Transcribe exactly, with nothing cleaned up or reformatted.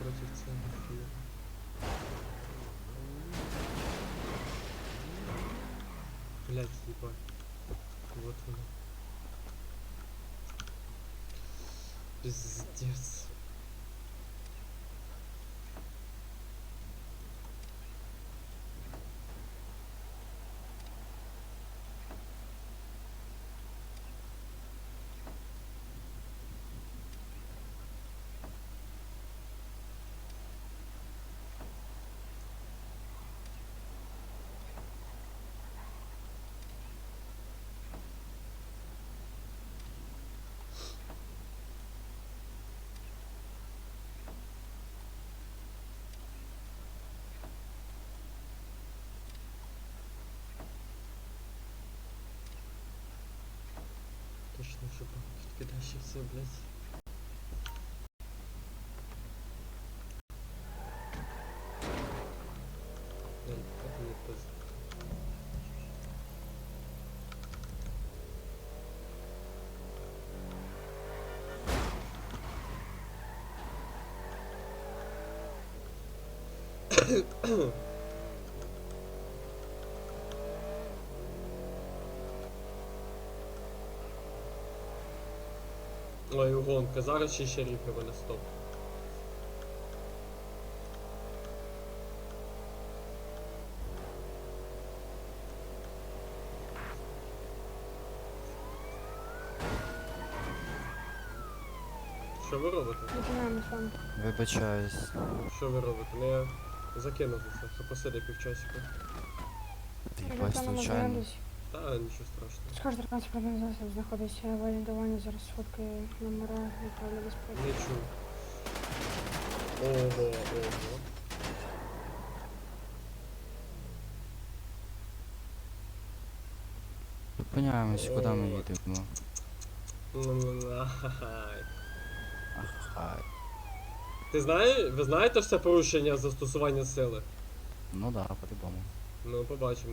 против цього. Блять, ебать. Вот оно. Пиздец. Точно же подкидающихся, блять. Да, это не поз... Ой, гонка, зараз ще шерифи на стоп. Що ви робите? Починаємо з вами. Вибачаюсь. Що ви робите? Ну я закину за це, хай посиди півчасика. Їбать, случайно. Та нічого страшного. Скажете, транспортний засіб знаходиться в орієнтуванні, зараз сфоткаю номера відправлю безпеки. Не чув. Ого, ого. Зупиняємось, куди ми їдемо? Ай. Ахай. Ти знаєш, ви знаєте все порушення застосування сили? Ну да, по-любому. Ну, побачимо.